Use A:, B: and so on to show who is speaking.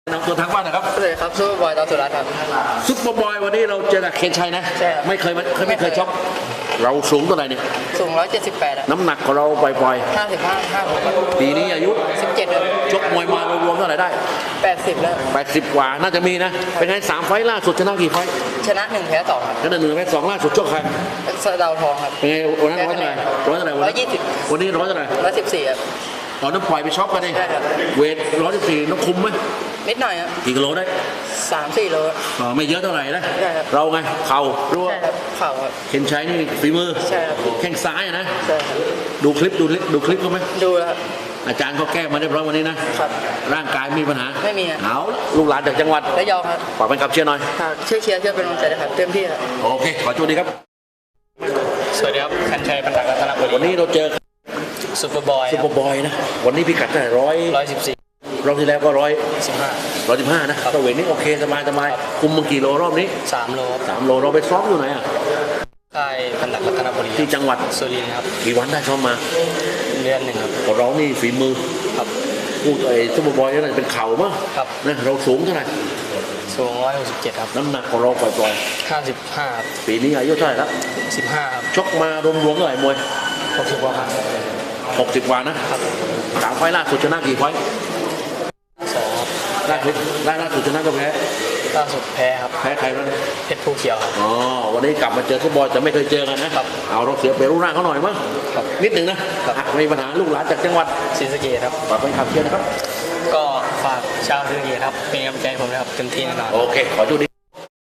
A: น้องตัวทางบ้านนะครับ
B: สวัสดีครับซูเปอร์บอยตอสุรัตน์ครับ
A: ซุปเปอร์บอยวันนี้เราเจอกับเคนชัยนะ
B: ใช่ครับ
A: ไม่เคยชกเราสูงเท่าไหร่เนี่ย
B: สูง178ครับ
A: น้ำหนักของเราปล่อย
B: 55ครับ
A: ๆปีนี้อายุ
B: 17ครับ
A: ชกมวยมารวมๆเท่าไหร่ได้
B: 80แล้ว
A: 80 กว่าน่าจะมีนะ เป็นไง3 ไฟล์ล่าสุดชนะกี่ไฟล์
B: ชนะ1แพ้2ครับ
A: ชนะ1 แพ้ 2ล่าสุดชกใคร
B: สะเดาวทองครับ
A: เป็นไงวันนั้นร้อยเท่าไหร่วันนั้น
B: 120
A: วันนี้ร้อยเท่าไหร่
B: 114ครับ
A: ตอนนั้นปล่อยไปช็อปกันเอง
B: ใช่ครับ
A: เวท114ต้องคุมไหม
B: นิดหน่อยครับ
A: กี่กิโลได้
B: 3-4 โล
A: ไม่เยอะเท่าไหร่นะ
B: ใช่ครับ
A: เราไงเข่ารั่ว
B: ใช่ครับเข่าครับ
A: เคนชัยนี่ฝีมือ
B: ใช่ครับ
A: แข้งซ้ายอะนะ
B: ใช่ครับ
A: ดูคลิปเขาไหม
B: ดูแล้วครับ
A: อาจารย์เขาแก้มาเรียบร้อยวันนี้นะครับ ร่างกายมีปัญหา
B: ไม่มีอะ
A: เอาละลูกหลานจากจังหวัด
B: และยองครับ
A: ฝากเป็นขับเชียร์หน่อย
B: ฝากช่วยเชียร์ช่วยเป็นกำลังใจด้วยครับเต็มที่ครับ
A: โอเค ขอโชคดีครับ
B: สวัสดีครับคันชัยปัญญารัตนบุรี
A: วันนี้เราเจอ
B: ซูเปอร์บอย
A: ซุปเปอร์บอยนะ วันนี้พิกัดเท่าไหร่114รอบที่แล้วก็115นะตัวเวทนี่โอเคสบายคุมมากี่โลรอบนี้
B: 3 โลครับ
A: 3 โลเราไปซ้อมอยู่ไหนอ่ะ
B: ค่ายปัญญารัตนบุรี
A: ที่จังหวัด
B: สุรินทร์ครับ
A: กี่วันได้ซ้อมมา
B: เดือนหนึ่งครับ
A: ของเรานี่ฝีมือ
B: ครับ
A: พูดไอ้ซุปเปอร์บอยนี่น่าจะเป็นเข่ามั้ง
B: ครับ
A: นะเราสูงเท่าไหร่
B: สูง167ครับ
A: น้ำหนักของเราปล่อย
B: 55ครับ
A: ๆปีนี้อายุเท่าไหร่แล้ว
B: 15ครับ
A: ชกมารวมๆเท่าไหร่มวย
B: 60กว่าครับ
A: 60 กว่านะครับ3 ไฟล์ล่าสุดชนะกี่ไฟล์
B: 2ครับ
A: ล่าสุดชนะก็แพ้
B: ล่าสุดแพ้ครับ
A: แพ้ใครบ้าง
B: เพชรภูเขียวครับ
A: อ๋อวันนี้กลับมาเจอซุปเปอร์บอยแต่ไม่เคยเจอกันนะครับ เอาเราเสียเปรียบรูปร่างเขาหน่อยมั้ง
B: ครับ
A: นิดหนึ่งนะครับ ไม่มีปัญหาลูกหลานจากจังหวัด
B: ศรีสะเกษครับ
A: ฝากเป็นขับเชียร์นะครับ
B: ก็ฝากชาวศรีสะเกษครับเป็นกำลังใจให้ผมนะครับเต็มที่แน่นอน
A: โอเค ขอโชคดี